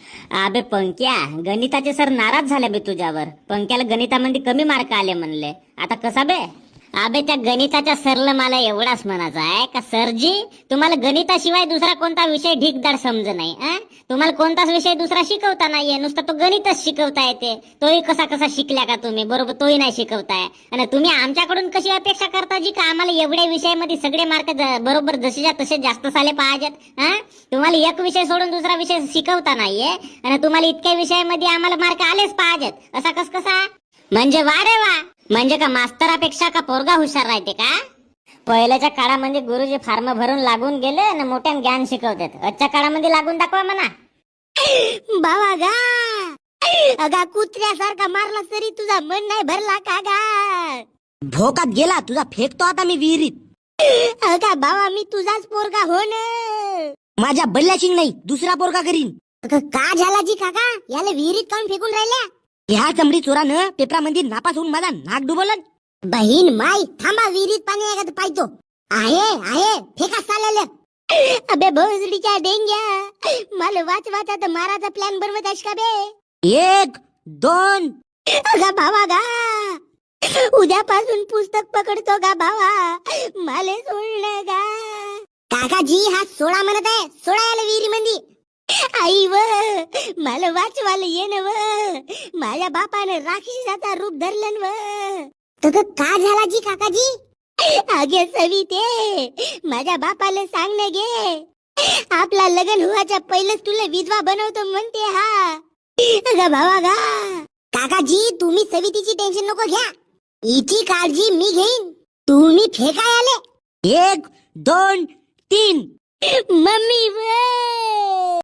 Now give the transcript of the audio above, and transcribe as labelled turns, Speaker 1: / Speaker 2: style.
Speaker 1: अबे पंक्या, गणिताचे सर नाराज झाले बे तुझ्यावर. पंक्याला गणितामध्ये कमी मार्क आले म्हणले. आता कसा बे? अबे त्या गणिताच्या सरला मला एवढाच म्हणायचं आहे का सरजी, तुम्हाला गणिताशिवाय दुसरा कोणता विषय ढीकदार समज नाही. तुम्हाला कोणताच विषय दुसरा शिकवता नाहीये, नुसता तो गणितच शिकवता येते. तोही कसा कसा शिकल्या का तुम्ही? बरोबर तोही नाही शिकवताय. आणि तुम्ही आमच्याकडून कशी अपेक्षा करता जी का आम्हाला एवढ्या विषयामध्ये सगळे मार्क बरोबर जसेच्या तसे जास्त साले पाहिजेत? तुम्हाला एक विषय सोडून दुसरा विषय शिकवता नाहीये आणि तुम्हाला इतक्या विषयामध्ये आम्हाला मार्क आलेच पाहिजेत. असा कसा? म्हणजे वा रे वा, म्हणजे का मास्तरापेक्षा का पोरगा हुशार राहते का? पहिल्याच्या काळामध्ये गुरुजी फार्म भरून लागून गेले आणि मोठ्यान ज्ञान शिकवतात. आजच्या काळामध्ये लागून दाखवा म्हणा.
Speaker 2: बाबा गा अगा कुत्र्यासारखा मारला तरी तुझा मन नाही भरला का गा?
Speaker 3: भोकात गेला तुझा, फेकतो आता मी विहिरीत.
Speaker 2: अगा बाबा मी तुझाच पोरगा हो ना.
Speaker 3: माझ्या बल्ल्याची नाही, दुसरा पोरगा करीन.
Speaker 2: का झाला जी काका, याला विहिरीत काऊन फेकून राहिल्या?
Speaker 3: ह्या चमडी चोरानं पेपरामध्ये नापास होऊन माझा नाक डुबवलं.
Speaker 2: बहीण माई थांबा, विहिरीत पाणी आहे का पाहतो. आहे फेका चाललं. अबे भोसडीच्या डेंग्या, मला वाचवाचा तर माराचा प्लॅन बनवत आहेस का बे?
Speaker 3: 1 2
Speaker 2: अगा भावा गा, उद्यापासून पुस्तक पकडतो गा भावा, मला सोडलं गा. काकाजी हा सोडा म्हणत आहे, सोडा याला विहिरी मंदी. आई व मला वाचवायला येन व, माझ्या बापानं राक्षसाचा रूप धरलं व. तर का झाला जी काकाजी? आगे सविते, माझ्या बापाला सांग न गे, आपला लग्न व्हायच्या पहिलेच तुला विधवा बनवतो म्हणते हा. अगं भावा गा. काकाजी तुम्ही सवितीची टेन्शन नको घ्या, हिची काळजी मी घेईन. तुम्ही फेकाय आले.
Speaker 3: 1 2 3
Speaker 2: मम्मी व